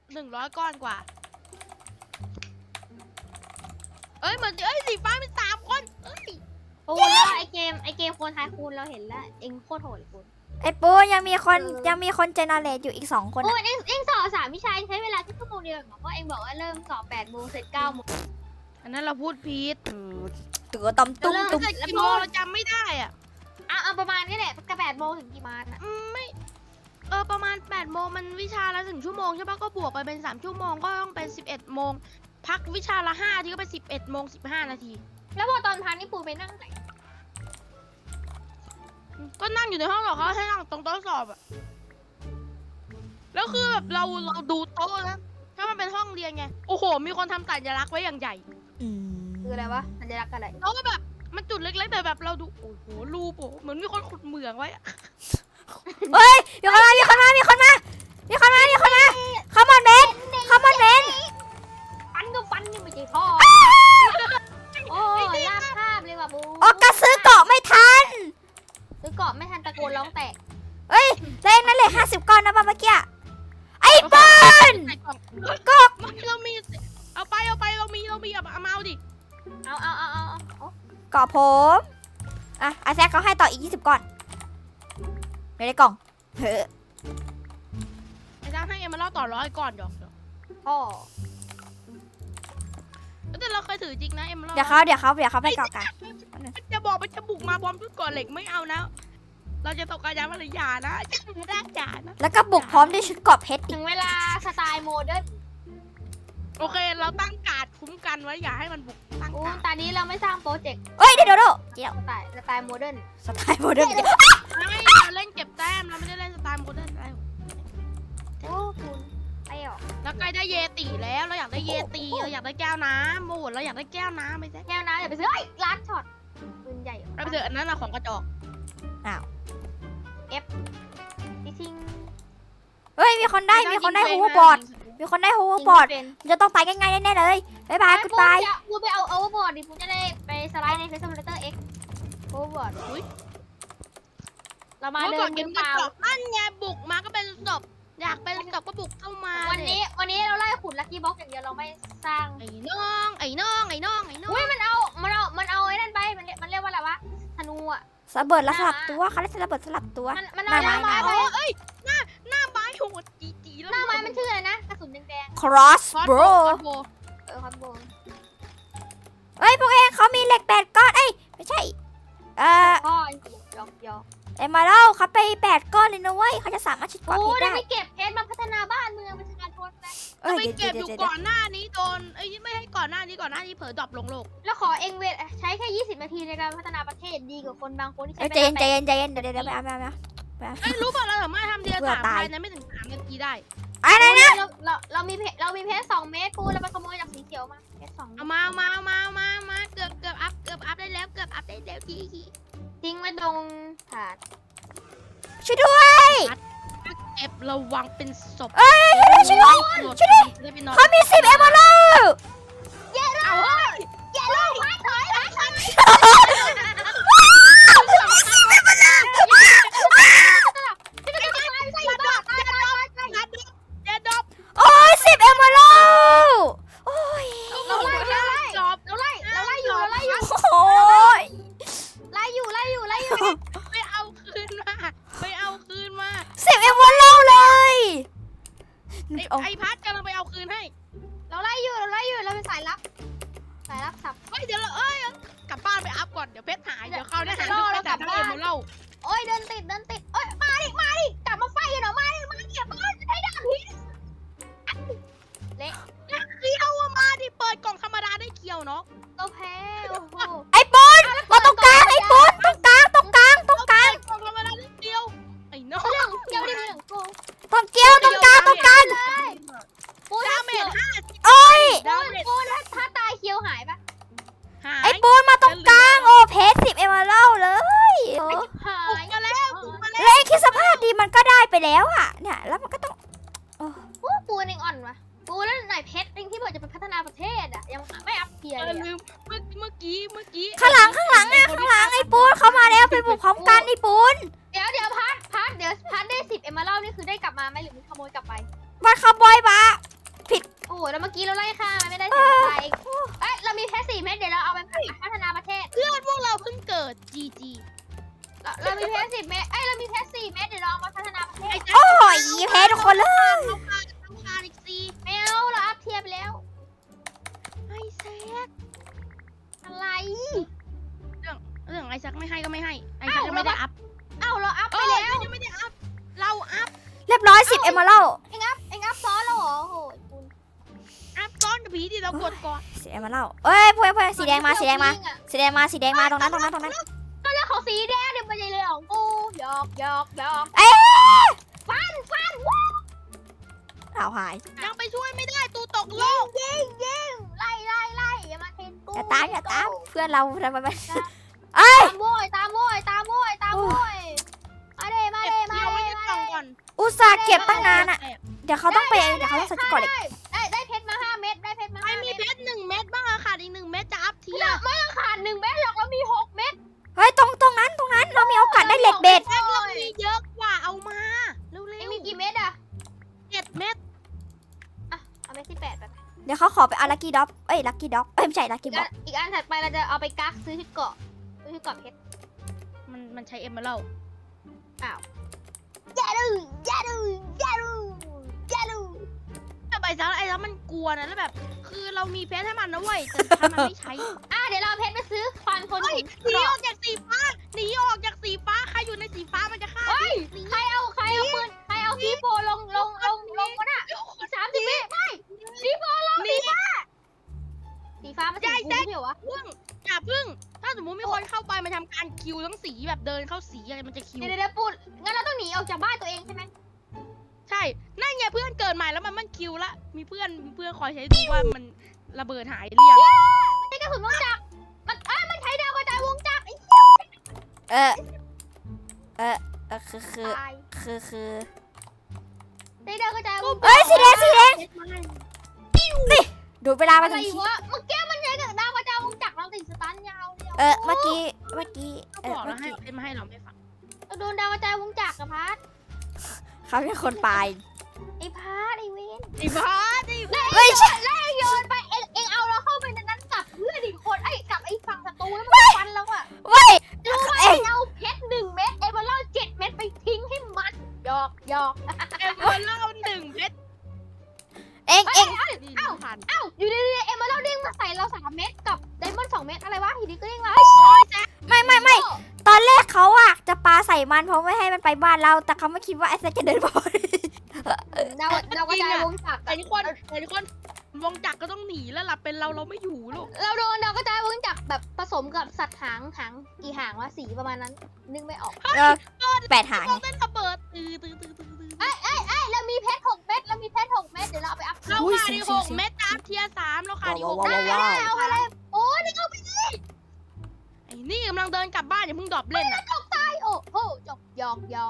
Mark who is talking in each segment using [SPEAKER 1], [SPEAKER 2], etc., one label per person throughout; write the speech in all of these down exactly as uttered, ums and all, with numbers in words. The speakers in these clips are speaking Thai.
[SPEAKER 1] หนึ่งร้อยก้อนกว่าเอ้ยเหมือนเอ้ยสีฟ้าเป็นสามคนเอ้ย
[SPEAKER 2] ปูแล้วไอเกมไอเกมโคนทายคูณเราเห็นแล้วเองโคตรโหดเลยปู
[SPEAKER 3] ไอ้ปูยังมีคนยังมีคนเจเนเรตอยู่อีกสองคน
[SPEAKER 2] ปู
[SPEAKER 3] อะ
[SPEAKER 2] เองเองสอบสามวิชาใช้เวลาแค่ชั่วโมงเดียวเหรอเพราะเองบอกว่าเริ่มสอบแปดโมงเสร็จเก้าโมง
[SPEAKER 1] อันนั้นเราพูดผิด
[SPEAKER 3] ตัวตำตุ้ม
[SPEAKER 2] แล้ว
[SPEAKER 3] ตุ้ม
[SPEAKER 1] แต่กี่โมงเราจำไม่ได้อ่ะ
[SPEAKER 2] อ่ะเอาประมาณนี้แหละกระแปดโมงถึงกี่มาอ่ะ
[SPEAKER 1] อืมไม่เออประมาณแปดโมงมันวิชาละถึงชั่วโมงใช่ปะก็บวกไปเป็นสามชั่วโมงก็ต้องเป็นสิบเอ็ดโมงพักวิชาละห้าทีก็เป็นสิบเอ็ดโมงสิบห้านาที
[SPEAKER 2] แล้วพอตอนพักนี่ปูไปนั่งไหน
[SPEAKER 1] ก็นั่งอยู่ในห้องหรอกเขาให้นั่งตรงโต๊ะสอบอะแล้วคือแบบเราเราดูโต๊ะนะถ้ามันเป็นห้องเรียนไงโอ้โหมีคนทำสัญลักษณ์ไว้อย่างใหญ่
[SPEAKER 3] อืม
[SPEAKER 2] คืออะไรวะสัญลักษณ์อะไร
[SPEAKER 1] แล้วก็แบบมันจุดเล็กๆแต่แบบเราดูโอ้โหรูปโอ้เหมือนมีคนขุดเหมืองไว้อะ
[SPEAKER 3] เฮ้ยมีคนมามีคนมามีคนมามีคนมามีคนมาขมอนเบนขมอนเบน
[SPEAKER 2] ฟันก็ฟันยังไม่ใช่พ่อโอ้ยลากภาพเลยว่ะปู
[SPEAKER 3] ออกกระซื้อเกาะไม่ทัน
[SPEAKER 2] ซื้อเกาะไม่ทันตะโกนร้องแตก
[SPEAKER 3] เฮ้ยเลขนั้นเลยห้าสิบก้อนนะเมื่อกี้ไอ้บอล
[SPEAKER 1] ใส่กล่อง
[SPEAKER 3] ก็
[SPEAKER 1] ไม่เรามีเอาไปเอาไปเรามีเรามีเอาเอามาเอาดิ
[SPEAKER 2] เอาเอาเอาเอาเอา
[SPEAKER 3] เกาะผมอ่ะอาแซกเขาให้ต่ออีกยี่สิบก้อนไม่ได้กล่องเฮ้อ
[SPEAKER 1] ไอ้จ้างให้เอ็มมาเล่าต่อร้อยก่อนหยอกหยอก
[SPEAKER 2] พ่อ
[SPEAKER 1] แต่เราเคยถือจริงนะเอ็มมาเล่า
[SPEAKER 3] เดี๋ยวเขาเดี๋ยวเขาเดี๋ยวเขาไปเกาะกัน
[SPEAKER 1] มันจะบอกมันจะบุกมาพร้อมชุดก่อนเหล็กไม่เอานะเราจะตกกระยานมาเลยอย่านะไม่ได้อย่านะ
[SPEAKER 3] แล้วก็บุกพร้อมด้วยชุดเกราะเพชรอี
[SPEAKER 2] ถึ
[SPEAKER 3] ก
[SPEAKER 2] งเวลาสไตล์โมเดิร์น
[SPEAKER 1] โอเคเราตั้งการ์ดคุ้มกันไว้อย่าให้มันบุกตั้ง
[SPEAKER 2] อู้
[SPEAKER 1] การ์ด
[SPEAKER 2] ตอนนี้เราไม่สร้างโปรเจกต์
[SPEAKER 3] เอ้ยเดี๋ยวเดี๋ยวเดี๋ยว
[SPEAKER 2] สไตล์สไตล์โมเดิร์น
[SPEAKER 3] สไตล์โมเดิร์น
[SPEAKER 1] ไม่เราเล่นเก็บแต้มเราไม่ได้เล่นสไตล์โมเดิร์นแล้ว
[SPEAKER 2] โอ้คุณไปหรอ
[SPEAKER 1] แล้วใกล้ได้เยติแล้วเราอยากได้เยติเราอยากได้แก้วน้ำโอ้โหเราอยากได้แก้วน้ำไม่ใช่
[SPEAKER 2] แก้วน้ำอย่าไปซื้อเฮ้ยร้านช็อตปืนใหญ่
[SPEAKER 1] เราไปเจออันนั้นอะของกระจอก
[SPEAKER 2] จริง
[SPEAKER 3] เฮ้ยมีคนได้มีคนได้ฮูบอร์ดมีคนได้ฮูบอร์ดมันจะต้องไปง่ายๆแน่ๆเลยบ๊ายบายกูตาย
[SPEAKER 2] ปูไปเอาโอเวอร์บอร์ดดิปูจะได้ไปสไลด์ในเฟซบุ๊กเลเตอร์เอ็กโอเวอร์บอร์ดเรามา
[SPEAKER 1] เมื่อ
[SPEAKER 2] เดิ
[SPEAKER 1] ก่อน
[SPEAKER 2] น
[SPEAKER 1] เก
[SPEAKER 2] มื
[SPEAKER 1] ม
[SPEAKER 2] อก เป
[SPEAKER 1] ระ
[SPEAKER 2] ล่า
[SPEAKER 1] จอกนั่นไงบุกมาก็เป็นศพอยากเป็นศพก็บุกเข้ามา
[SPEAKER 2] วันนี้วันนี้เราไล่ขุดลัคกี้บ็อกอย่างเดียวเราไม่สร้าง
[SPEAKER 1] ไอ้น้องไอ้น้องไอ้น้องไอ้น้อง
[SPEAKER 2] อุ้ยมันเอามันเอามันเอาไอ้นั่นไปมันมันเรียกว่าอะไรวะธนูอ่ะ
[SPEAKER 3] สะเบิดแล้วสลับตัวเขาเรียกสะเบิดสลับตัว
[SPEAKER 2] มันมันเอาหน้าไม้ไป
[SPEAKER 1] เอ้ยหน้าหน้าไม้โหดจีจีแล้ว
[SPEAKER 2] หน้าไม้มันชื่ออะไรนะกระสุนแดง
[SPEAKER 3] cross
[SPEAKER 1] คอส
[SPEAKER 3] bro
[SPEAKER 1] โบ
[SPEAKER 2] ๆเออคอนโบ
[SPEAKER 3] เอ้ยพวกเองเขามีเหล็กแปดก้อนเอ้ยไม่ใช่เอ่อ
[SPEAKER 2] พ่อยอกยอก
[SPEAKER 3] เอ็มมาเล่าเขาไปแปดก้อนเลยนะเว้ยเขาจะสามารถชิดเกาะ
[SPEAKER 2] โอ้
[SPEAKER 3] เพชร
[SPEAKER 2] ได้
[SPEAKER 3] ได้
[SPEAKER 2] ไปเก็บเพชรมาพัฒนาบ้านเมืองประชาชนนะ
[SPEAKER 3] เอ้ย
[SPEAKER 1] ไป
[SPEAKER 3] เดี๋ยว
[SPEAKER 1] เก็บ
[SPEAKER 3] เดี๋
[SPEAKER 1] อ
[SPEAKER 3] ยว
[SPEAKER 1] ยู่
[SPEAKER 3] เดี๋ยว
[SPEAKER 1] ก่อนหน้านี้โดนเอ้ยไม่ให้ก่อนหน้านี้ก่อนหน้านี้เผลอดรอปลงโลก
[SPEAKER 2] แล้วขอเองเวทใช้แค่ยี่สิบนาทีในการพัฒนาประเทศดีกว่าคนบางคนที่ใช้
[SPEAKER 3] เอ้ย
[SPEAKER 2] เว
[SPEAKER 3] ใจ
[SPEAKER 2] ลา
[SPEAKER 3] เย็นใจเย็นใจเย็นเดี๋ยวเดี๋ยวเดี๋ยวไปเอาไปเอาไปเอาไปเอา
[SPEAKER 1] เอ้ยรู้ป่ะเราสามารถทำเดีย
[SPEAKER 3] เบื่อ
[SPEAKER 1] สาม
[SPEAKER 3] ตาย
[SPEAKER 1] ภายในไม่ถึงสามนาทีได้
[SPEAKER 3] อะไรนะ
[SPEAKER 2] เราเราเรามีเพชรเรามีเพชรสองเมตรกูเราไปขโมยจากสีเขียวมาเพชรสองเมต
[SPEAKER 1] เอา
[SPEAKER 2] ร
[SPEAKER 1] มาเอามาเอามาเอามาเอามาเกือบเกือบอัพเกือบอัพได้แล้วเกือบอัพได้แล้วทีที
[SPEAKER 2] ทิ้งไว้ตรงถาด
[SPEAKER 3] ช่วยด้วย
[SPEAKER 1] เก็บระวังเป็นศพ
[SPEAKER 3] เอ้ยช่วยด้วยช่วยด้วย
[SPEAKER 1] ได้ไปนอน
[SPEAKER 3] เขามีสิบเอมเบอร์
[SPEAKER 1] เอาเฮ้ย
[SPEAKER 2] อย่าลงไม้ถอยไม้ถอยไม่ใช่บ้าตายตายตายตาย
[SPEAKER 1] นัดเดดดอบ
[SPEAKER 3] โอ้ยสิบเอมเบอร์โอ้ย
[SPEAKER 2] เราไล่เราไล่
[SPEAKER 1] จอบ
[SPEAKER 2] เราไล่เราไล่อยู่เราไล่อยู่
[SPEAKER 3] โอ้ย
[SPEAKER 2] ไล่อยู่ไล่อยู่ไล่อยู่
[SPEAKER 1] ไปเอาคืนมาไปเอาคืนมา
[SPEAKER 3] สิบเอมเบอร์เลย
[SPEAKER 1] ไอ้ไอ้พัดกำลังไปเอาคืนให้
[SPEAKER 2] เราไล่อยู่เราไล่อยู่เราเป็นสายลับสายลับสับ
[SPEAKER 1] เฮ้ยเดี๋ยวเราเอ้ยกลับบ้านไปอัพก่อนเดี๋ยวเพชรหายเดี๋ยวเขาได้หายทุกเพชรแต่เอ็มมาเล่า
[SPEAKER 2] โอ้ยเดินติดเดินติดเอ้ยมาดิมาดิกลับมาไฟกันหน่อยมาดิมาเก็บบ้านให้ดาบพิษเละ
[SPEAKER 1] เคียวอะมาดิเปิดกล่องธรรมดาได้เคียวเนาะ
[SPEAKER 2] เราแพ้โอ้โห
[SPEAKER 3] ไอ้ปูนมาตรงกลางไอ้ปูนตรงกลางตรงกลางตรงกลาง
[SPEAKER 1] กล่องธรรมดาได้เคียวไอ้น้อง
[SPEAKER 2] เรื่องเกี่ยวดิเรื่องกู
[SPEAKER 3] ตรงเกี้ยวตรงกลางตรงกลาง
[SPEAKER 2] ปู
[SPEAKER 1] ดา
[SPEAKER 2] ถ้า
[SPEAKER 1] เม
[SPEAKER 2] เขีย
[SPEAKER 1] จ
[SPEAKER 2] ว
[SPEAKER 1] ห้า
[SPEAKER 3] โอ้ย
[SPEAKER 2] ปูปูถ้าถ้าตายเคียวหายปะ
[SPEAKER 1] หาย
[SPEAKER 3] ไอ้ปูนมาตรงกลางโอ้เพชรสิบเอมเบอร์เลยเออ
[SPEAKER 2] หา
[SPEAKER 1] บุก
[SPEAKER 2] ย
[SPEAKER 1] มาแล้วบุกมาแล้ว
[SPEAKER 3] แล้วไอ้คิดสภาพดีมันก็ได้ไปแล้วอ่ะเนี่ยแล้วมันก็ต้อง
[SPEAKER 2] ปูปูเองอ่อนวะปูแล้วไหนเพชรเองที่บอกจะไปพัฒนาประเทศอ่ะยังไม่อัพเกียร์
[SPEAKER 1] เอ
[SPEAKER 2] เล
[SPEAKER 1] อย ลืมเมื่อเมื่อกี้เมื่อกี้
[SPEAKER 3] ข้างหลังข้างหลังอ่ะข้างหลังไอ้ปูนเขามาแล้วไปบุกพร้อมกันไอ้ปูน
[SPEAKER 2] เดี๋ยวเดี๋ยวพัดพัดเดี๋ยวพัดได้สิบเอ็มมาเล่านี่คือได้กลับมาไหมหรือมีขโมยกลับไป
[SPEAKER 3] มันขโมยมา
[SPEAKER 2] กี้เราไล่ฆ่ามันไม่ได้เสียใจเอ้ยเรามีแค่สี่เม็ดเดี๋ยวเราเอาไปพัฒนาประเทศ
[SPEAKER 1] เพื่อนพวกเราเพิ่งเกิด จี จี
[SPEAKER 2] เราเรามีแค่สิบเม็ดเอ้ยเรามีแค่สี่เม็ดเดี๋ยวเราเอามาพัฒนาประเทศ
[SPEAKER 3] โอ้ยแพ้ทุกคนเลย
[SPEAKER 1] เราขาดเราขาดอีกสี่
[SPEAKER 2] ไม่เอาเราอัพเทียบไปแล้ว
[SPEAKER 1] ไอ้แซก
[SPEAKER 2] อะไร
[SPEAKER 1] เรื่องไอ้แซกไม่ให้ก็ไม่ให้ไอ้แซกยังไม่ได้อัพ
[SPEAKER 2] เอ้าเราอัพ
[SPEAKER 1] เอ
[SPEAKER 2] ไป
[SPEAKER 1] อ
[SPEAKER 2] แล้ว
[SPEAKER 1] ยังไม่ได้อัพเราอัพ
[SPEAKER 3] เรียบร้อยสิบเอมเมอรัล
[SPEAKER 2] เอ็งอัพเอ็งอัพซ้อนแล้วเหรอโอ้โหคุณ
[SPEAKER 1] อัพซ้อนกับผีที่เรากดก่อน
[SPEAKER 3] สิบเอมเมอรัลเอ้ยพวกพวกสีแดงมาสีแดงมาสีแดงมาสีแดงมาตรงนั้นตรงนั้นตรงนั้น
[SPEAKER 2] ก็เรื่องของสีแดงเดี๋ยวมันจะเลยของกูหยอกหยอกหยอก
[SPEAKER 3] เอ้ย
[SPEAKER 2] ฟันฟันว้า
[SPEAKER 3] เอาหาย
[SPEAKER 1] ยังไปช่วยไม่ได้ตูตกโล
[SPEAKER 2] ยิง
[SPEAKER 1] ก
[SPEAKER 2] ยิงยิงไล่ไล่ไล่อย่ามาเทนกู
[SPEAKER 3] อย่าตามอย่าตามเพื่อนเราทำไมไม่เอ้ย
[SPEAKER 2] ตามโวยตามโวยตามโวยตามโวยมาเด้มา
[SPEAKER 1] เก็บ
[SPEAKER 2] เด้มา
[SPEAKER 1] เที่ยวไว้
[SPEAKER 2] เด้
[SPEAKER 1] ใน
[SPEAKER 2] มาก
[SPEAKER 1] ล่อง
[SPEAKER 2] เด้
[SPEAKER 1] ก่อน
[SPEAKER 3] อุตส่าห์เก็บตั้งนานอะเดี๋ยวเขาต้องไปเดี๋ยวเขาต้องใส่ชุดเก่อนอีก
[SPEAKER 2] ได้ได้เพชรมาห้าเม็ดได้เพชรมา
[SPEAKER 1] ใคร
[SPEAKER 2] ห้า
[SPEAKER 1] มี
[SPEAKER 2] เม็ด
[SPEAKER 1] เพชรหนึ่งเม็ดบ้างอะขาดอีกหนึ่งเม็ดจะอัพเทียร์
[SPEAKER 2] ไม่ต้องขาดหนึ่งเม็ดหรอกเรามีหกเม็ด
[SPEAKER 3] เฮ้ยตรงตรงนั้นตรงนั้นเรามีโอกาสได้เหล็กเบ็ด
[SPEAKER 1] แซกเรามีเยอะกว่าเอามาเร็
[SPEAKER 2] เอ็ง
[SPEAKER 1] ว
[SPEAKER 2] มีกี่เม็ดอะ
[SPEAKER 1] ๆเจ็ดเม็ด
[SPEAKER 2] อ่ะเอาเม็ดที่แปดไป
[SPEAKER 3] เดี๋ยวเขาขอไปเอาลักกี้ด็อกเอ้ยลักกี้ด็อกเอ้ยไม่ใช่ลัก
[SPEAKER 2] อี
[SPEAKER 3] กี้
[SPEAKER 2] ก
[SPEAKER 3] บ็
[SPEAKER 2] อั
[SPEAKER 3] อน ก
[SPEAKER 2] อีกอันถัดไปเราจะเอาไปกักซื้อชุดเกาะซื้อชุดเกาะเพชร
[SPEAKER 1] มันมันใช้เอ็มเมอรัล
[SPEAKER 2] อ้าวอย่าดูอย่าดูอย่าดูอย่าดู
[SPEAKER 1] แต่ใบซักไอ้แล้วมันกลัวนะแล้วแบบ คือเรามีเพชรให้มันนะเว้ยแต่ถ้ามันไม่ใช้
[SPEAKER 2] อ่ะเดี๋ยวเราเอาเพชรไปซื้อความทน
[SPEAKER 1] เฮ้ย
[SPEAKER 2] หิน
[SPEAKER 1] หนีออกจากสีฟ้าหนีออกจากสีฟ้าใครอยู่ในสีฟ้ามันจะฆ่า
[SPEAKER 2] เฮ้ยใครเอาใครเอาปืนใครเอาซีโฟลงลงลงลงวะน่ะสามสิบวิไม่ซีโฟลง
[SPEAKER 1] หนี
[SPEAKER 2] สีฟ้ามันสีฟูไม่ใช่เหรอวะ
[SPEAKER 1] พึ่งอย่าพึ่ง ถ้าสมมติมีคนเข้าไปมาทำการคิวทั้งสีแบบเดินเข้าสีอะไรมันจะคิว
[SPEAKER 2] เดี๋ยวเดี๋ยวพูดงั้นเราต้องหนีออกจากบ้านตัวเองใช่ไหม
[SPEAKER 1] ใช่ นั่นไงเพื่อนเกิดใหม่แล้วมันมันคิวละ มีเพื่อนมีเพื่อนคอยใช้ดูว่ามันระเบิดหายหรือยัง
[SPEAKER 2] มันใช้กระสุนวงจักรมันอ่ะมันใช้ดาวกระจายวงจักรไอ้
[SPEAKER 3] เออเออเออคือคือ
[SPEAKER 2] ตาย
[SPEAKER 3] คือคือ
[SPEAKER 2] ใช้ดาวกระจายวงจักร
[SPEAKER 3] เอ้ยสีแดงสีแดงดูดเวลาไป
[SPEAKER 2] อะไร
[SPEAKER 3] ถึงที่
[SPEAKER 2] วะเมื่อกี้มันใช้กับดาวกระจายวงจักรเราติดสตันยาวเลย
[SPEAKER 3] เออเมื่อกี้เมื่อกี้
[SPEAKER 1] ก็
[SPEAKER 3] เออบ
[SPEAKER 1] อ
[SPEAKER 3] เมื่อ
[SPEAKER 1] กแล้วให้
[SPEAKER 3] กี้
[SPEAKER 1] เป็นมาให้เราไม่ฟัง
[SPEAKER 2] เราโดนดาวกระจายวงจักรกับพัด
[SPEAKER 3] เขาเป็นคนปลาย
[SPEAKER 2] ไอ้พัดไอ้เวน
[SPEAKER 1] ไอ้บ้าไอ้
[SPEAKER 2] แล้ว
[SPEAKER 3] ไม่
[SPEAKER 2] ไอ้
[SPEAKER 3] ใช่
[SPEAKER 2] โยนแล้วไอ้โยนไปเอ็งเอ็งเอาเราเข้าไปในนั้นกับเพื่อนอีกคนไอ้กับไอ้ฝั่งศัตรูแล้วมันฟันเราอะ
[SPEAKER 3] เว้ย
[SPEAKER 2] รู้ไหม
[SPEAKER 3] เอ้ย
[SPEAKER 2] เอาเพชรหนึ่งเม็ดเอเวอร์เล่าเจ็ดเม็ดไปทิ้งให้มันหยอกหยอก
[SPEAKER 1] เอ็มเบอร์เล่าหนึ่งเพชร
[SPEAKER 3] เอ็งเอ็ง
[SPEAKER 1] ดี
[SPEAKER 2] เอ้า
[SPEAKER 1] ผ่าน
[SPEAKER 2] เอ้าอยู่ดีๆเอเวอร์เล่าเด้งมาใส่เราสามเม็ดกับไดมอนด์สองเม็ดอะไรวะอยู่ดีก็เด้งมา
[SPEAKER 3] ไม่ไม่ไม่ตอนแรกเขาอะจะปาใส่มันเพราะไม่ให้มันไปบ้านเรา แต่เขาไม่คิดว่าไอ้แซคจะเดินบอล
[SPEAKER 2] ดาวดาวกระจายวงจักร
[SPEAKER 1] แต่ทุกคนแต่ทุกคนวงจักรก็ต้องหนีแล้วล่ะเป็นเราเราไม่อยู่ลูก
[SPEAKER 2] เราโดนดาวกระจายวงจักรแบบผสมกับสัตว์หางหางกี่หางวะสีประมาณนั้น นึกไม่ออก
[SPEAKER 3] เออแปดหาง
[SPEAKER 1] เราเต้นระเบิดตื้อตื้อตื้อตื้อตื้อ
[SPEAKER 2] เอ้ยเอ้ยเอ้ยเรามีเพชรหกเม็ดเรามีเพชรหกเม็ดเดี๋ยวเราเอาไปอัพ
[SPEAKER 1] เราขาดอีกหกเม็ดตามเทียร์สามเราขาดอีกหก
[SPEAKER 3] ว้าว
[SPEAKER 1] เม็ด
[SPEAKER 3] ว้าว
[SPEAKER 2] เอาไปเลยโอ้นี่เอาไป
[SPEAKER 1] ไอ้นี่กำลังเดินกลับบ้านอย่าเพิ่งดรอปเล่นอ่ะ
[SPEAKER 2] ตกตายโอ้โหจบหยอกหยอก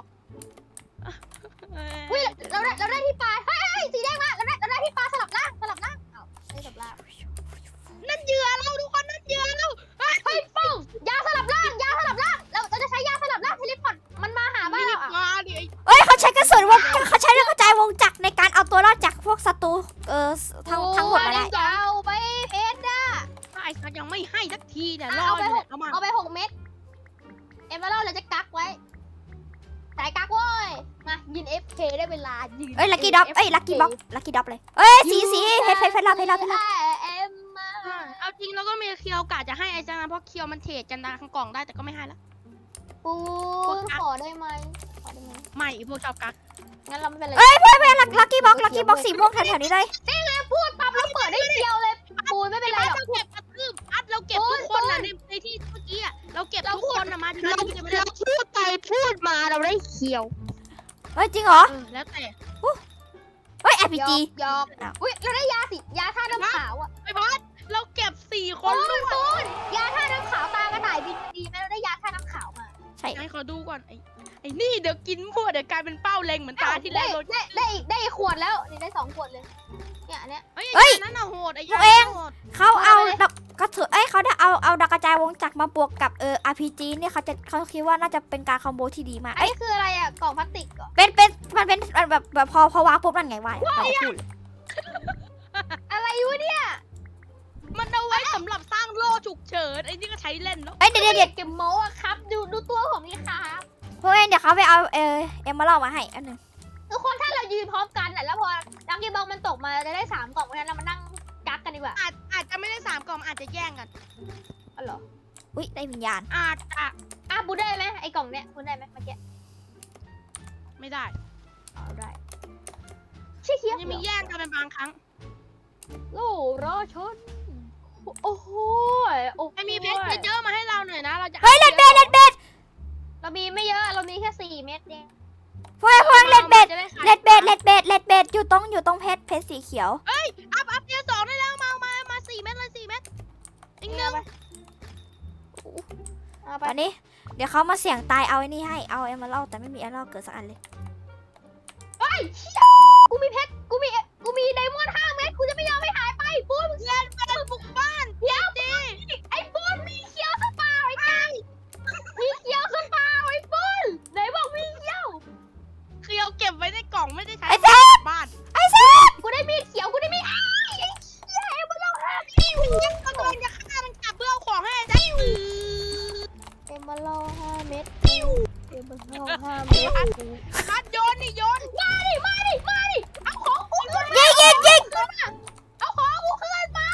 [SPEAKER 2] อุ้ยเราได้เราได้ที่ปลาเฮ้ยเฮ้ยสีแดงมาเราได้เราได้ที่ปลาสลับล่างสลับล่างเอ้าไม่สลับล่าง
[SPEAKER 1] นั่นเหยื่อเราทุกคนนั่นเหยื่อเราเฮ้ย
[SPEAKER 2] เฮ้ยปุ้งยาสลับล่างยาสลับล่างเราเราจะใช้ยาสลับล่างเทเลพอร์ตมันมาหาบ้านเราอ่ะ
[SPEAKER 1] มาดิไอ้
[SPEAKER 3] เอ้ยเขาใช้กระสุนวงเขาใช้เรื่องกระจายวงจักรในการเอาตัวรอดจากพวกศัตรูเออทั้งทั้งหมดมาได้
[SPEAKER 2] โอ้ยเอาไปเพชรอ่ะ
[SPEAKER 1] ไอ้สัตว์ยังไม่ให้สักทีเนี่ยร
[SPEAKER 2] อ่ะ
[SPEAKER 1] อ
[SPEAKER 2] เอาไป
[SPEAKER 1] อยู่
[SPEAKER 2] ห
[SPEAKER 1] เนี่ย
[SPEAKER 2] ก
[SPEAKER 1] เอามา
[SPEAKER 2] เอาไปหกเม็ดเอ็มเบอร์เราจะกักไว้สายกักเว้ยมายินเอฟเคได้เวลายืน
[SPEAKER 3] เอ้ยลักกี้ด็อกเอ้ยลักกี้บ็อกลักกี้ด็อกเลยเอ้ยสีสีเพชรเพชรเพชรเราเพชรเราเพชรเรา
[SPEAKER 2] เอ็มมา
[SPEAKER 1] อ่าเอาจริงเราก็มีเคียวกะจะให้ไอ้จังนะเพราะเคียวมันเทรดกันนะข้างกล่องได้แต่ก็ไม่ให้ละ
[SPEAKER 2] ปูนขอได้ไหมขอได้ไหม
[SPEAKER 1] ไม่พวกชอบกัก
[SPEAKER 2] งั้นเราไม่เป็นไร
[SPEAKER 3] เอ้ยเพื่อนเพื่อนลักกี้บ็อกลักกี้บ็อกสีม่วงแถวๆนี้เลย
[SPEAKER 2] พูดปั๊บแล้วเปิดได้เดียวเลยปูนไม่เป็นไรหรอก
[SPEAKER 1] เราเก็บกระทืบอัดเราเก็บทุกคนนะในในที่เมื่อกี้อะเราเก็บทุกคนนะมาที่เราจะไม่ได้
[SPEAKER 2] พูดไปพูดมาเราได้เขียว
[SPEAKER 3] เฮ้ยจริงเหรอ
[SPEAKER 1] เออแล้วแต่
[SPEAKER 3] เฮ้ย อาร์ พี จี
[SPEAKER 2] ยอก
[SPEAKER 3] อ้าว
[SPEAKER 2] อุ้ยเราได้ยาสิยาท่าน้ำขาวอ่ะ
[SPEAKER 1] ไอ้บอสเราเก็บสี่ค
[SPEAKER 2] ปู
[SPEAKER 1] น
[SPEAKER 2] น
[SPEAKER 1] ด้วย
[SPEAKER 2] ปูนยาท่าน้ำขาวตากระต่ายบินดีไหมเราได้ยาท่าน้ำขาวมา
[SPEAKER 3] ใช่
[SPEAKER 1] ให้เขาดูก่อนไอ้ไอ้นี่เดี๋ยวกินพวกเดี๋ยวกลายเป็นเป้าเล็งเหมือนตาที่แล้วเรา
[SPEAKER 2] ได้ได้อีกได้อีกขวดแล้วนี่ได้สองขวดเลยเนี่ยอันเนี้ย
[SPEAKER 1] เฮ้ยไอ้นั่นน่ะโหดไอ้ยันโหด
[SPEAKER 3] เขาเอา
[SPEAKER 2] เอาไปเลย
[SPEAKER 3] ดอกกระถือเอ้ยเขาได้เอาเอาดอกกระจายวงจักรมาบวกกับเออ อาร์ พี จี เนี่ยเขาจะเขาคิดว่าน่าจะเป็นการคอมโบที่ดีมาก
[SPEAKER 2] อัน
[SPEAKER 3] เอ้ย
[SPEAKER 2] นี้คืออะไรอ่ะกล่องพลาสติกเหรอ
[SPEAKER 3] เป็นเป็นมันเป็นแบบแบบพอพอวางปุ๊บนั่นไงวะเราก็พูดเลย
[SPEAKER 2] อะไรวะเนี่ย
[SPEAKER 1] มันเอาไว้สำหรับสร้างโล่ฉุกเฉินไอ้นี่ก็ใช้เล่นเนาะ
[SPEAKER 3] เอ้ยเดี๋ยวเดี๋ยวเดี๋ยว
[SPEAKER 2] เก็บโม้อะครับ ดูดูตัวผมนี่ครับ
[SPEAKER 3] พวกเองเดี๋ยวเขาไปเอาเออเอ็มมาเล่ามาให้อันหนึ่ง
[SPEAKER 2] ทุกคนถ้าเรายืนพร้อมกันอะแล้วพอลักกี้บ็อกมันตกมาเราจะได้สามกล่องเพราะฉะนั้นเรามานั่งกักกันดีกว่า
[SPEAKER 1] อาจอาจจะไม่ได้สามกล่องอาจจะแย่งกัน
[SPEAKER 2] อ๋อเหรอ
[SPEAKER 3] อุ้ยได้วิญญาณ
[SPEAKER 1] อาจจะ
[SPEAKER 2] อ่ะบูได้ไหมไอ้กล่องเนี้ยบูได้ไหมเมื่อกี้
[SPEAKER 1] ไม่ได้
[SPEAKER 2] เอาได้เชี่ยเชี่ย
[SPEAKER 1] ยังมีแย่งกันเป็นบางครั้ง
[SPEAKER 2] โอ้รอชนโอ้โหโอ้โห
[SPEAKER 1] ไอ้มีเพชรเยอะๆมาให้เราหน่อยนะเราจะ
[SPEAKER 3] เฮ้ยเลดเบดเลดเบด
[SPEAKER 2] เรามีไม่เยอะเรามีแค่สี่เม็ดเอง
[SPEAKER 3] พวกเองพวกเองเลดเบด
[SPEAKER 2] จะได้ขาย
[SPEAKER 3] เลดเบดเลดเบดเลดเบดอยู่ตรงอยู่ตรงเพชรเพชรสีเขียว
[SPEAKER 1] อัพอัพเทียร์สองได้แล้วมามามาสี่เม็ดเลยสี่เม็ดอีกหนึ่ง
[SPEAKER 2] เอาไป
[SPEAKER 3] ตอนนี้เดี๋ยวเขามาเสี่ยงตายเอาไอ้นี่ให้เอาเอ็มมาเล่าแต่ไม่มีเอ็มมาเล่าเกิดสักอันเลย
[SPEAKER 2] เฮ้ยเชี่ยกูมีเพชรกูมีกูมีไดมอนด์ห้าเม็ดกูจะไม่ยอมให้หายไปปูน
[SPEAKER 1] เล่นเป็นบุกบ้าน
[SPEAKER 2] เดี๋ยว
[SPEAKER 1] ดี
[SPEAKER 2] ไอ้ปูนมีเคียวสปาไอ้ไก่มีเคียวสปาไอ้ปูนไหนบอกมีเคียว
[SPEAKER 1] คือเอาเก็บไว้ในกล่องไม่ได้ใช้
[SPEAKER 3] ไอ้แซ่บ
[SPEAKER 1] บ้าน
[SPEAKER 3] ไอ้แซ่บ
[SPEAKER 2] กูได้มีดเขียวกูได้มีดอ้าวไอ้เชี่ยไอ้มันเราห้า
[SPEAKER 1] พี่ยังกำลังจะฆ่ามันกลับเพื่อเอาของให้ได้
[SPEAKER 2] เอ็มมาล่อห้าเม็ดเอ็มมาล่อห้าเม็ด
[SPEAKER 1] พัดโยนนี่โยน
[SPEAKER 2] มาดิมาดิมาดิเอาของกูขึ้นมา
[SPEAKER 3] ยิงยิงยิง
[SPEAKER 2] เอาของกูขึ้นมา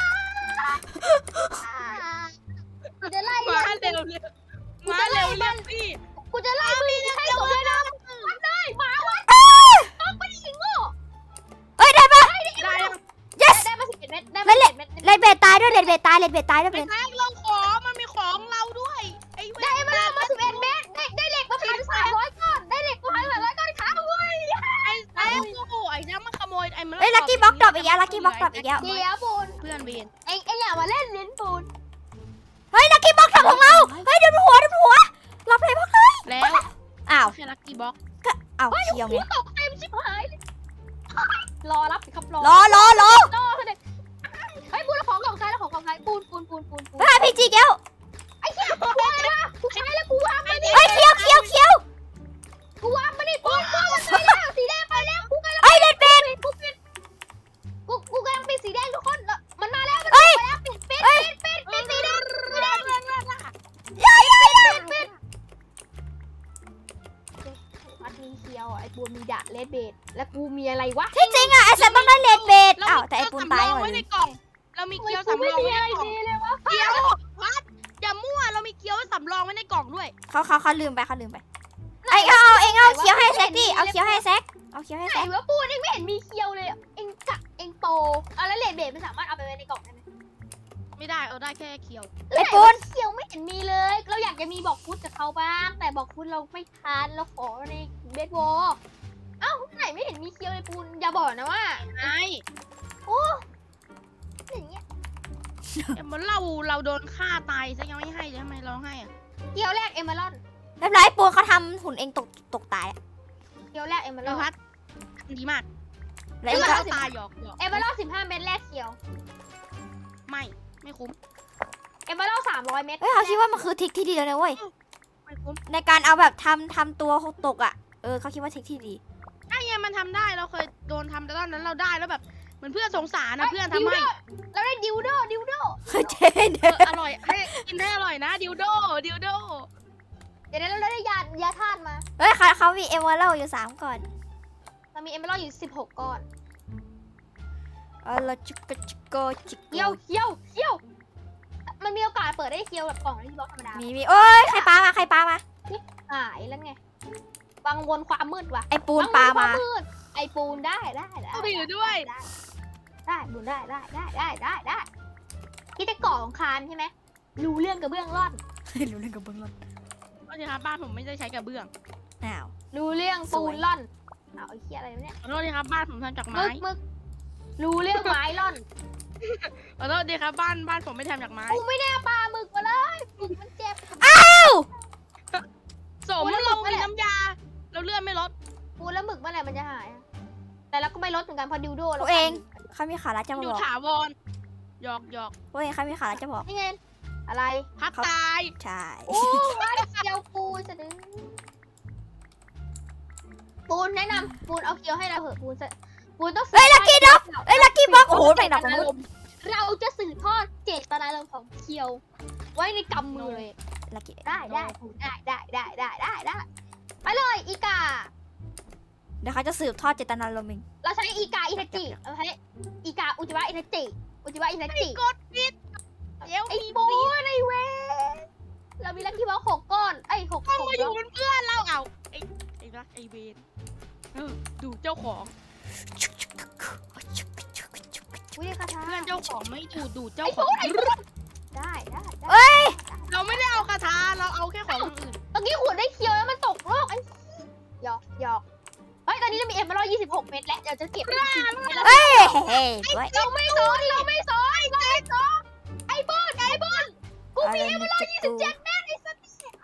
[SPEAKER 2] กูจะไล่
[SPEAKER 1] มาเร็วเร็วมาเร็วเร็วพี่
[SPEAKER 2] กูจะไล่มึงให้จบเลยนะวัดเลยหมาวัดต้องไปยิงโง่
[SPEAKER 3] เอ้ยได้ปะ
[SPEAKER 1] ได้ยัง
[SPEAKER 3] yes
[SPEAKER 2] ได้มาสิบเอ็ดเม็ดได้มาสิบเอ็ดเม็ด
[SPEAKER 3] เลดเบดตายด้วยเลดเบดตายเลดเบดตายด้วย
[SPEAKER 1] ไป
[SPEAKER 3] เป็น
[SPEAKER 1] แทงเราของมันมีของเราด้วยไอ้เว้
[SPEAKER 2] ได้มาแล้วมาสิบเอ็ดเม็ดได้ได้เหล็กมาพันสามร้อยก้อนได้เหล็กมาพันสามร้อยก้อนขาเว้ย
[SPEAKER 1] ไอ้แซงโอ้โหไอ้น้ำมันขโมยไอ้มัน
[SPEAKER 3] เอ้ยลักกี้บ็อกดรอปอีกแล้วลักกี้บ็อกดรอปอีกแล้ว
[SPEAKER 2] เดี๋ยวปูน
[SPEAKER 1] เพื่อนเวียน
[SPEAKER 2] เอ็งเอ็งอย่ามาเล่นลิ้นปูน
[SPEAKER 3] เฮ้ยลักกี้บ็อกทำของเราเฮ้ยเดี๋ยวหัวเดี๋ยวหัวรับเลยบ็อกเลย
[SPEAKER 1] แล้ว
[SPEAKER 3] อ้าว
[SPEAKER 1] แค่ลักกี้บ็อก
[SPEAKER 3] อ้าวเคียวไง
[SPEAKER 2] หัวตกเต็มชิบหายเลยรอรับสิครับรอ
[SPEAKER 3] รอรอรอ
[SPEAKER 2] รอเถอะเฮ้ยปูนแล้วของกล่องใครแล้วของกล่องใครปูนปูนปูนปูนปูน
[SPEAKER 3] เฮ้ยพีจีแก้ว
[SPEAKER 2] ไอ้เหี้ยกูวางนะกูใช้แล้วกูวางมาดิ
[SPEAKER 3] เฮ้ยเคียวเคียวเคียว
[SPEAKER 2] กูวางมาดิปูนปูนมันไปแล้วสีแดงไปแล้วกูกำลัง
[SPEAKER 3] เฮ้ยเลดเบด
[SPEAKER 2] กูปิดกูกูกำลังปิดสีแดงทุกคนแล้วมันมาแล้วมันมาแล้วปิดปิดปิดปิดปิดสีแดงสีแดง
[SPEAKER 3] ย่าย่าย่า
[SPEAKER 2] ปิดวัดมีเคียวไอ้ปูนมีดะเลดเบดแล้วกูมีอะไรวะ
[SPEAKER 3] ที่จริงอะไอ้แซมต้องได้เลดเบด
[SPEAKER 1] เรา
[SPEAKER 3] อ้าว
[SPEAKER 1] มี
[SPEAKER 3] แต่ไอ้
[SPEAKER 1] เกี๊ยว
[SPEAKER 3] ปูน
[SPEAKER 1] สำร
[SPEAKER 3] ตาย
[SPEAKER 1] อง
[SPEAKER 3] หมด
[SPEAKER 1] ไว้
[SPEAKER 3] เล
[SPEAKER 1] ใน
[SPEAKER 3] ย
[SPEAKER 1] กล่อง เรามีเกี๊ยวสำรองไว้ในกล่อง
[SPEAKER 2] เลยวะ
[SPEAKER 1] เกี๊ยวพัดอย่ามั่วเรามีเกี๊ยวสำรองไว้ในกล่องด้วย
[SPEAKER 3] เขาเขาเขาลืมไปเขาลืมไปไอ้เอาเอาเองเอาเคียวให้แซกดิเอาเคียวให้แซกเอาเคียวให้
[SPEAKER 2] ไหน
[SPEAKER 3] แซก
[SPEAKER 2] วะปูนเองไม่เห็นมีเคียวเลยเองกะเองโปเอาแล้วเลดเบดมันสามารถเอาไปไว้ในกล่องได้ไหม
[SPEAKER 1] ไม่ได้เอาได้แค่เกี๊ยว
[SPEAKER 3] ไอ้ปูน
[SPEAKER 2] เคียวไม่เห็นมีเลย เราอยากจะมีบอกฟุตกับเขาบ้าง แต่บอกฟุตเราไม่ทันเราขอในเบสบอลเอ้าไหนไม่เห็นมีเคียวเลยปูนอย่าบอกนะว่า
[SPEAKER 1] ไอ้
[SPEAKER 2] โอ้อย่างเงี้ย
[SPEAKER 1] เหมือนเราเราโดนฆ่าตายซะยังไม่ให้เลยทำไมเราให้อะ
[SPEAKER 2] เคียวแรกเอเมอรัลด์
[SPEAKER 3] เรียบร้อยปูนเขาทำหุ่นเองตกตกตาย
[SPEAKER 2] เคียวแรกเอเมอ
[SPEAKER 1] เรา
[SPEAKER 2] รัล
[SPEAKER 1] พั
[SPEAKER 2] ด์
[SPEAKER 1] ดดีมาก
[SPEAKER 3] แล้วเอง
[SPEAKER 1] เรา
[SPEAKER 3] ก็
[SPEAKER 1] ตายหยอกหยอก
[SPEAKER 2] เอเมอรัลด์สิบห้าเม็ดแรกเคียว
[SPEAKER 1] ไม่ไม่คุ้ม
[SPEAKER 2] เอเมอรัลด์สามร้อยเม็ด
[SPEAKER 3] เฮ้ยเขาคิดว่ามันคือทริคที่ดีแล้วนะเว้ย
[SPEAKER 1] ไม่คุ้ม
[SPEAKER 3] ในการเอาแบบทำทำตัวตกอ่ะเออเขาคิดว่าทริคที่ดี
[SPEAKER 1] ไอ้เนี่ยมันทำได้เราเคยโดนทำแต่ตอนนั้นเราได้แล้วแบบเหมือนเพื่อนสงสารนะเพื่อนทำให้
[SPEAKER 2] เราได้ดิวโดดิวโด
[SPEAKER 3] เจ๊
[SPEAKER 1] เอ
[SPEAKER 3] เนี่ย
[SPEAKER 1] ออร่อยให้กินได้อร่อยนะดิวโดดิวโด
[SPEAKER 2] เดี๋ยวเราได้ยายาธาตุมา
[SPEAKER 3] เฮ้ยเขาเขามีเอเวอร์เรอยู่สามก่อน
[SPEAKER 2] เรามีเอเมอรัลด์อยู่สิบหกก้อน
[SPEAKER 3] เออเราจิกกะจิกโกจิกโก
[SPEAKER 2] เคียวเคียวเคียวมันมีโอกาสเปิดได้เคียวแบบกล่องที่บล็อกธรรมดา
[SPEAKER 3] มีมีโอ้ยใครปามาใครปามา
[SPEAKER 2] หายแล้วไงวังวนความมืดว่ะ
[SPEAKER 3] ไอ้ปูนปามา
[SPEAKER 2] วังวนควมืดไอปูนได้ได้ได้
[SPEAKER 1] เอาไปอยู่ด้วย
[SPEAKER 2] ได้ได้ปูนได้ได้ได้ได้ได้ได้ที่จะก่อของคานใช่ไหมรู้เรื่องกระเบื้องร่อน
[SPEAKER 3] รู้เรื่องกับเบื้องต้น
[SPEAKER 1] ก็ทีครับบ้านผมไม่ได้ใช้กระเบื้อง
[SPEAKER 3] อ้าว
[SPEAKER 2] รู้เรื่องปูนร่อนเอาไอ้เหี้ยอะไรวะเนี่ย
[SPEAKER 1] ขอโทษทีครับบ้านผมทำจาก
[SPEAKER 2] มึ
[SPEAKER 1] ไม้
[SPEAKER 2] กมึกรู้เรื่องไม้ร่อน
[SPEAKER 1] ขอโทษทีครับบ้านบ้านผมไม่ทำจากไม้
[SPEAKER 2] กูไม่ได้ปลาหมึกมาเลยหมึกมันเจ็บ
[SPEAKER 1] สมเรามีน้ำยา เราเลื่อนไม่ลด
[SPEAKER 2] ปูนแล้วหมึกเมื่อไหร่มันจะหายอะแต่เราก็ไม่ลดเหมือนกันเพราะดิวโด
[SPEAKER 3] พ
[SPEAKER 2] เรา
[SPEAKER 3] วกเองเขามีขาลัดจะมา
[SPEAKER 1] อยู่
[SPEAKER 3] บอก
[SPEAKER 1] ถาวรหยอกหยอก
[SPEAKER 3] พวกเองเขามีขาลัดจะบอก
[SPEAKER 2] นี่ไงอะไร
[SPEAKER 1] พัดตาย
[SPEAKER 3] ใช่
[SPEAKER 2] โอ้ว่าเคียวปูนจะดึงปูนแนะนำปูนเอาเคียวให้เราเถอะปูนจะปูนต้อง
[SPEAKER 3] เฮ้ยลักกี้ด็อกเฮ้ยลักกี้บ็อกโอ้โหแบ่งดอก
[SPEAKER 1] อารมณ์
[SPEAKER 2] ว้ในกำมือเลย
[SPEAKER 3] ลักกี้
[SPEAKER 2] ได้ได้ได้ได้ได้ได้ได้ได้ไปเลยอีกา
[SPEAKER 3] เดี๋ยวเขาจะสืบทอดเจตนารมณ์เอง
[SPEAKER 2] เราใช้อีกาอินาจิเราใช้อีกาอุจิวะอินาจิอุจิวะอินาจิ
[SPEAKER 1] กดปิดเดี๋ยว
[SPEAKER 2] ไอ้
[SPEAKER 1] มี
[SPEAKER 2] โบนไอ้เวเรามีลักกี้บ็อกหกก้อนไอ้หก
[SPEAKER 1] ต้อง
[SPEAKER 2] หก
[SPEAKER 1] มาอยู่เป็นเพื่อนเราเอาไอ้ไอ้รักไอ้เบนเออดูเจ้าของ
[SPEAKER 2] อุ้ยคาถา
[SPEAKER 1] เพื่อนเจ้าของไม่ดูดูเจ้า
[SPEAKER 2] ไอ้
[SPEAKER 1] ข
[SPEAKER 2] โบ
[SPEAKER 1] อง
[SPEAKER 2] นไอ้โบนได้ได้ได้
[SPEAKER 3] เอ้ย
[SPEAKER 1] เราไม่ได้เอาคาถาเราเอาแค่ของคนอื่น
[SPEAKER 2] เมื่อกี้ขวดได้เคียวแล้วมันตกโลกไอ้หยอกหยอกเฮ้ยตอนนี้เรามีเอ็มมาร้อยยี่สิบหกเม็ดแล้วเดี๋ยวจะเก็บเป็นสี่สิบเม็ดแล้ว
[SPEAKER 3] เฮ้ยเฮ้ยเฮ้ย
[SPEAKER 2] เราไม่สนเราไม่สนเราไม่สนไอ้โบนไอ้โบนกูมีเอ็มมาร้อยยี่สิบเจ็ดเม็ดไอ้สัตว์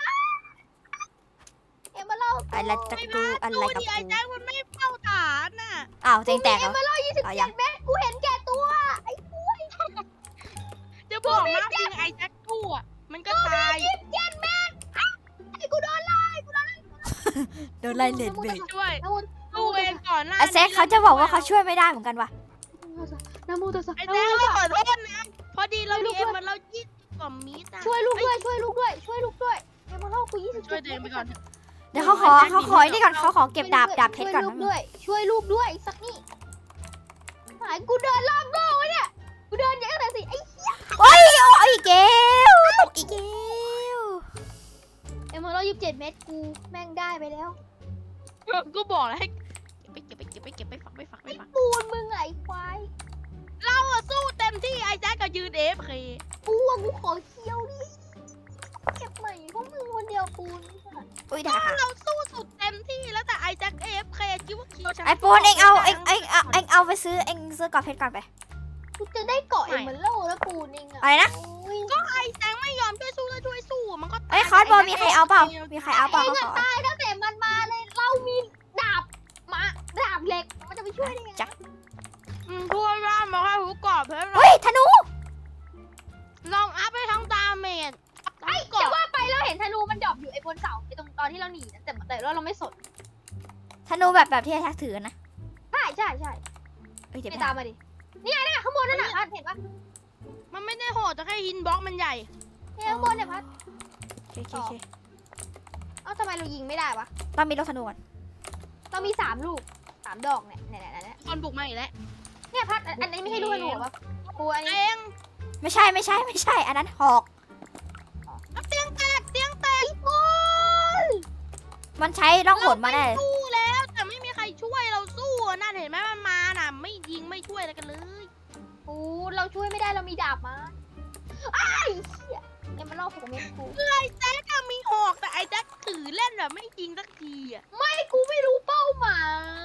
[SPEAKER 2] เอ็มมาร้อย
[SPEAKER 3] อะไรตะกูอะไร
[SPEAKER 1] ดู
[SPEAKER 3] กับ
[SPEAKER 1] ดิไอ้
[SPEAKER 3] กู
[SPEAKER 1] แจ็คมันไม่เฝ้าฐานน่ะ
[SPEAKER 3] อ้าวเจงแตกเหร
[SPEAKER 2] เอ็
[SPEAKER 3] อ
[SPEAKER 2] มมาร้อยยี่สิบ
[SPEAKER 3] เอา
[SPEAKER 2] เจ็
[SPEAKER 3] ยั
[SPEAKER 2] ด
[SPEAKER 3] ง
[SPEAKER 2] เม็ดกูเห็นแก่ตัวไอ้กู
[SPEAKER 1] จะบอกนะจริงไอ้แจ็คตู้อ่ะมันก็ตาย
[SPEAKER 2] ยี่สิบเจ็ดเม็ดไอ้กูโดนไล่กูโดนไล่
[SPEAKER 3] โดนไล่เลนเบรก
[SPEAKER 1] ช่วย
[SPEAKER 2] น้ำมู
[SPEAKER 1] ตู้เองก่อนหน้า
[SPEAKER 3] ไอแซคเขาจะบอกว่าเขาช่วยไม่ได้เหมือนกันว่ะ
[SPEAKER 2] น้ำมูตัวสั
[SPEAKER 1] ไอ้แจ็คเราขอโทษนะพอดีเรามีเอ็มมันเรายี่สิบกว่ามิตรอ่ะ
[SPEAKER 2] ช่วยลูกด้วยช่วยลูกด้วยช่วยลูกด้วยเอ็มมาเล่ากูยี่สิบ
[SPEAKER 1] ช่วยตัวเองไปก่อน
[SPEAKER 3] เดี๋ยวเขาขอเขาขอไอ้นี่ก่อนเขาขอเก็บดาบดาบเพชรก่อน
[SPEAKER 2] ช่วยลู
[SPEAKER 3] นะ
[SPEAKER 2] กด้วยช่วยลูกด้วยสักนี่หายกูเดินรอบโลกวะเนี่ยกูเดินเยอะแต่สิไอ้
[SPEAKER 3] โอ้ยโอ้ยอีกแก้วตกอีกแก้ว
[SPEAKER 2] เอ็มมาเล่ายี่สิบเจ็ดเม็ดกูแม่งได้ไปแล้ว
[SPEAKER 1] ก็บอกแล้วให้เก็บไปเก็บไปเก็บไปเก็บไปฝักไปฝักไปฝัก
[SPEAKER 2] ปูนมึงไงควาย
[SPEAKER 1] เราอะสู้เต็มที่ไอ้แจ็คก็ยืนเอฟเค
[SPEAKER 2] กูอะกูขอเคี้ยวดิเก็บใหม่พวกมึงคนเดียวปูน
[SPEAKER 3] อุ้ยได้ค่ะ
[SPEAKER 1] เราสู้สุดเต็มที่แล้วแต่ไอ้แจ็คเอฟเคคิดว่าคิวฉัน
[SPEAKER 3] ไอปูนเองเอาเองเองเอาเองเอาไปซื้อเองซื้อกรอบเพชรก่อนไป
[SPEAKER 2] กูจะได้เกาะเอ็มมาเล่าแล้วปูนเองอะ
[SPEAKER 3] อะไรนะ
[SPEAKER 2] โอ้ย
[SPEAKER 1] ก็ไอ้แจ็คไม่ยอมช่วยสู้แล้วช่วยสู้มันก็ตาย
[SPEAKER 3] เอ้ยคอร์สบอลมีใครเอาเปล่ามีใครเอาเปล่า
[SPEAKER 2] เอง
[SPEAKER 3] เขา
[SPEAKER 2] อะ
[SPEAKER 3] ขอ
[SPEAKER 2] ตายตั้งแต่มันมาเลยเรามีดาบมาดาบเหล็กมันจะไปช่วยได้ยังไง
[SPEAKER 3] จ้ะ
[SPEAKER 1] อืมพูดว่ามาให้หูกรอบเพชร
[SPEAKER 3] เฮ้ยธนู
[SPEAKER 1] ลองอัพให้ทั้งดาเมจ
[SPEAKER 2] ไอ้
[SPEAKER 1] กรอ
[SPEAKER 2] จะ
[SPEAKER 1] บ
[SPEAKER 2] ว่าไปเราเห็นธนูมันดรอปอยู่ไอ้บนเสาไอ้ตรงตอนที่เราหนีนะแต่แต่เราเราไม่สน
[SPEAKER 3] ธนูแบบแบบที่ไอ้แท็กถือนะ
[SPEAKER 2] ใช่ใช่ใช่
[SPEAKER 3] เอ้ยเดี๋ยว
[SPEAKER 2] ไป
[SPEAKER 3] ไป
[SPEAKER 2] ตา
[SPEAKER 3] หาม
[SPEAKER 2] มาดิเนี่ยเนี่ยข้างบนนั่นน่ะพัดเห็นปะ
[SPEAKER 1] มันไม่ได้โหดแต่แค่ฮินบล็อกมันใหญ่
[SPEAKER 2] เนี่ยข้างบนเนี่ยพัด
[SPEAKER 3] โอเคโอเคโอเค
[SPEAKER 2] เอ้าทำไมเรายิงไม่ได้วะ
[SPEAKER 3] ต้องมีลูกธนูก่อน
[SPEAKER 2] เรามีสามลูกสามดอกเนี่ยเนี่ยเนี่ยเนี่ย
[SPEAKER 1] คนบุกมาอีกแล้ว
[SPEAKER 2] เนี่ยพัดอันอันนี้ไม่ใช่ลูกธนูเหรอวะกูอัน
[SPEAKER 1] เอ
[SPEAKER 2] นี้
[SPEAKER 1] ง
[SPEAKER 3] ไม่ใช่ไม่ใช่ไม่ใช่ อันนั้นหอก
[SPEAKER 1] เอาเตียงแตกเตียงแตก
[SPEAKER 2] โอ้ย
[SPEAKER 3] มันใช้ร่องหนมาได้
[SPEAKER 1] สู้แล้วแต่ไม่มีใครช่วยเราสู้อะนั่นเห็นไหมมันมาน่ะไม่ยิงไม่ช่วยอะไรกันเลย
[SPEAKER 2] กูเราช่วยไม่ได้เรามีดาบมาไอ้ายเหี้ยเนี่ยมันล่อผมเม็ดกู
[SPEAKER 1] ไอ้แจ็คอะมีหอกแต่ไอ้แจ็คถือเล่นแบบไม่ยิงสักทีอะ
[SPEAKER 2] ไอ้กูไม่รู้เป้าหมาย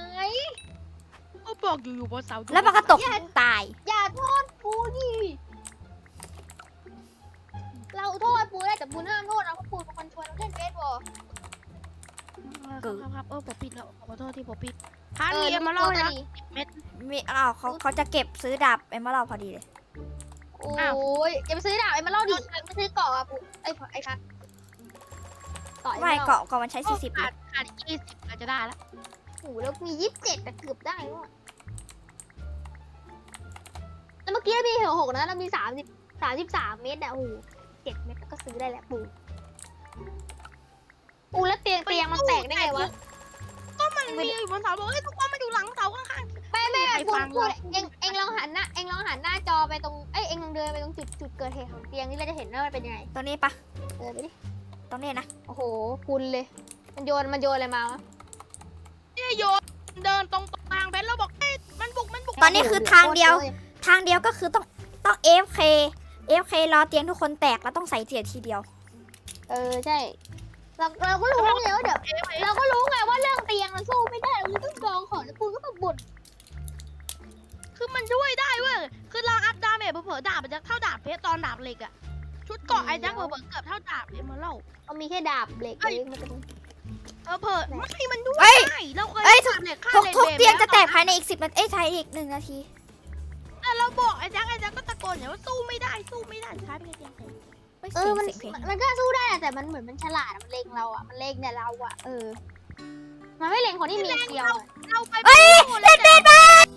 [SPEAKER 1] ก็บอกอยู่อยู่บนเสา
[SPEAKER 3] แล้วมันก็ตกตาย
[SPEAKER 2] อย่าโทษปูดิเราโทษปูได้แต่ปูห้ามโทษนะเพราะปูเป็นคนชวนเราเล่นเบสบอล
[SPEAKER 1] ครับครับเออผมปิดแล้วขอโทษที่ผมปิดพาร์ทนี้มาเล่าให้นะเม็ด
[SPEAKER 3] มีอ้าวเขาเขาจะเก็บซื้อดาบเอ็มเมอรัลพอดีเลย
[SPEAKER 2] โอ้
[SPEAKER 1] อ้าว
[SPEAKER 2] ยอย่าไปซื้อดาบไอ้มาเล่าดิไปซื้อเกาะอะปูไอ้ไอ้พัดต่อ
[SPEAKER 3] ไม่
[SPEAKER 2] ไม่
[SPEAKER 3] เกาะเกาะมันใช้สี่สิบ
[SPEAKER 1] ขาดขาดยี่สิบอาจจะได้แล้ว
[SPEAKER 2] โอ้โหแล้วมียี่สิบเจ็ดแต่เกือบได้ว่ะแล้วเมื่อกี้มีเหวหกนะเรามีสามสิบสามสิบสามเมตรอะโอ้โหเจ็ดเมตรก็ซื้อได้แล้วปูปูแล้วเตียงเตียงมันแตกได้ไงวะ
[SPEAKER 1] ก็มันมีอยู่บนเสาบอกเฮ้ยทุกคนมาอยู่หลังเสาข้าง
[SPEAKER 2] ไม่ไม่
[SPEAKER 1] ใคร
[SPEAKER 2] พู
[SPEAKER 1] ฟั
[SPEAKER 2] ด
[SPEAKER 1] ง
[SPEAKER 2] พูด
[SPEAKER 1] เรา
[SPEAKER 2] เองเองลองหันหน้าเองลองหันหน้าจอไปตรงเอ้ยเองลองเดินไปตรงจุดจุดเกิดเหตุของเตียงนี่เราจะเห็นว่ามันเป็นยังไง
[SPEAKER 3] ตรงนี้ปะ
[SPEAKER 2] เดินไปดิ
[SPEAKER 3] ตรงนี้นะ
[SPEAKER 2] โอ้โหคุณเลย มันโยนมันโยนอะไรมาวะ
[SPEAKER 1] ๆนี่โยนเดินตรงทางเพชรแล้วบอกเฮ้ยมันบุกมันบุก
[SPEAKER 3] ตอนนี้คือทางเดียว ทางเดียวก็คือต้องต้องเอฟเคเอฟเครอเตียงทุกคนแตกแล้วต้องใส่เสียทีเดียว
[SPEAKER 2] เออใช่เราเราก็รู้ไงว่าเดี๋ยวเราก็รู้ไงว่าเรื่องเตียงเราสู้ไม่ได้เราต้องกองของแล้วปูก็มาบ่น
[SPEAKER 1] คือมันช่วยได้เว้ยคือเราอัพดาเมจเผลอๆดาบมันจะเท่าดาบเพชรตอนดาบเหล็กอะชุดเกาะไอ้แจ็คเผลอๆเกือบเท่าดาบเอมเมอรัล
[SPEAKER 2] เอามีแค่ดาบเหล็กเองมันจะ
[SPEAKER 1] เออเผลอไม่มันด้วย
[SPEAKER 3] เอ้ย
[SPEAKER 1] ได้เราเคย
[SPEAKER 3] เอ้ย
[SPEAKER 1] ดาบเหล็กฆ่า
[SPEAKER 3] ทุก
[SPEAKER 1] เลน
[SPEAKER 3] ทุก
[SPEAKER 1] เบม
[SPEAKER 3] เตียงจะแตก
[SPEAKER 1] ล้ว
[SPEAKER 3] ภายในอีกสิบนาทีเอ้ยใช้อีกหนึ่งนาที
[SPEAKER 1] แต่เราบอกไอ้แจ็คไอ้แจ็คก็ตะโกนอย่างว่าสู้ไม่ได้สู้ไม่ได้สุดท้ายเป็นไงเตียงแตก
[SPEAKER 3] ไม่
[SPEAKER 2] เอ
[SPEAKER 3] เสี
[SPEAKER 2] อย
[SPEAKER 3] ง
[SPEAKER 2] มัน
[SPEAKER 3] เสียงเพลง
[SPEAKER 2] มันก็สู้ได้อะแต่มันเหมือนมันฉลาดอะมันเล็งเราอ่ะมันเล็งเนี่ยเราอ่ะเออมันไม่เล็งคนที่มีเกียวอะ
[SPEAKER 1] เราไป
[SPEAKER 3] เอ้ย
[SPEAKER 1] เล่นเบสบ้า